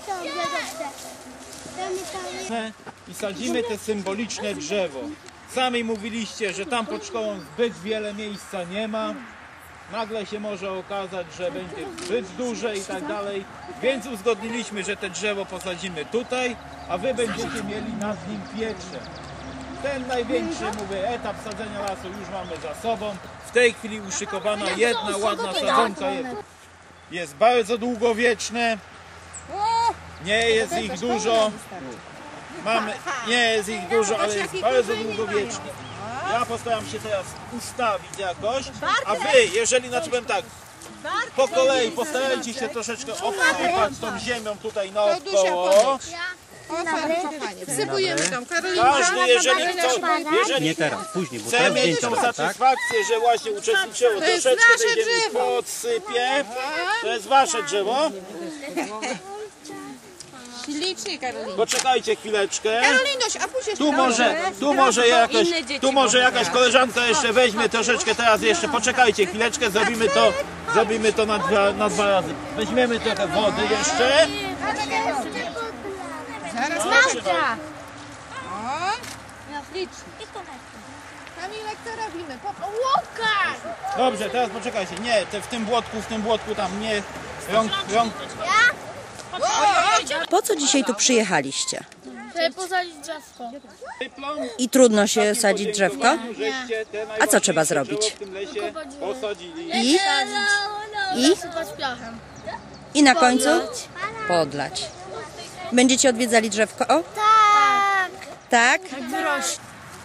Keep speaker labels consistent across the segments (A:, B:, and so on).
A: I sadzimy te symboliczne drzewo. Sami mówiliście, że tam pod szkołą zbyt wiele miejsca nie ma. Nagle się może okazać, że będzie zbyt duże i tak dalej. Więc uzgodniliśmy, że te drzewo posadzimy tutaj, a wy będziecie mieli nad nim pieprze. Ten największy, mówię, etap sadzenia lasu już mamy za sobą. W tej chwili uszykowana jedna ładna sadzonka jest bardzo długowieczne. Nie jest ich dużo. Nie jest ich dużo, ale jest bardzo długowieczne. Ja postaram się teraz ustawić jakoś, a wy, jeżeli powiem tak, po kolei postarajcie się troszeczkę obsypać tą ziemią tutaj naokoło.
B: Wsypujemy tam, Karolinka.
A: Każdy, jeżeli
C: Nie teraz, później, bo
A: chce
C: teraz
A: mieć
C: zdjęcia
A: tą
C: będą, tak?
A: satysfakcję, że właśnie uczestniczyło, troszeczkę tej ziemi podsypie. To jest wasze drzewo.
B: Ślicznie, Karolinka.
A: Poczekajcie chwileczkę.
B: Karolinoś, a później
A: Tu może jakaś koleżanka jeszcze weźmie troszeczkę teraz jeszcze. Poczekajcie chwileczkę, zrobimy to na dwa razy. Weźmiemy trochę wody jeszcze.
B: Zaraz
D: Marta!
B: Kamilek, co robimy?
D: Łukasz!
A: Dobrze, teraz poczekajcie. Nie, w tym błotku tam nie. Rąk.
E: Po co dzisiaj tu przyjechaliście?
D: Żeby posadzić drzewko.
E: I trudno się sadzić drzewko? A co trzeba zrobić? I?
D: Sypać piachem.
E: I na końcu? Podlać. Będziecie odwiedzali drzewko? O?
D: Tak!
E: Tak?
D: Wyrośnie.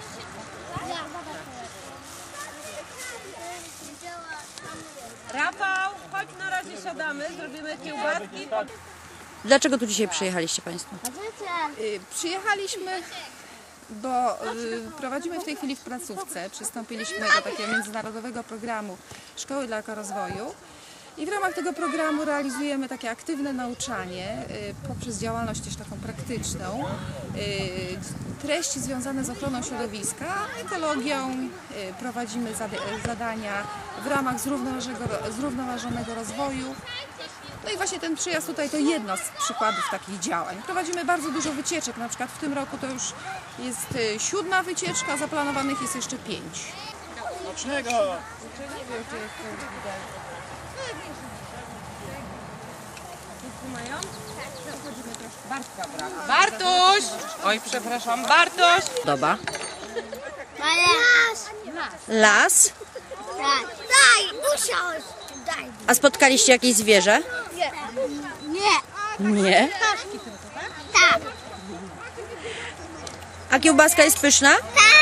B: Rafał, chodź, na razie siadamy, zrobimy kiełbaski.
E: Dlaczego tu dzisiaj przyjechaliście Państwo?
F: Przyjechaliśmy, bo prowadzimy w tej chwili w placówce. Przystąpiliśmy do takiego międzynarodowego programu Szkoły dla Ekorozwoju. I w ramach tego programu realizujemy takie aktywne nauczanie poprzez działalność też taką praktyczną. Treści związane z ochroną środowiska, ekologią, prowadzimy zadania w ramach zrównoważonego rozwoju. No i właśnie ten przyjazd tutaj to jedno z przykładów takich działań. Prowadzimy bardzo dużo wycieczek, na przykład w tym roku to już jest 7. wycieczka, zaplanowanych jest jeszcze 5.
A: Smacznego!
B: Bartuś! Oj, przepraszam, Bartuś!
E: Doba.
D: Las!
E: Las?
D: Daj, musiałeś! Daj!
E: A spotkaliście jakieś zwierzę?
D: Nie!
E: Nie.
D: Tak!
E: A kiełbaska jest pyszna?
D: Tak!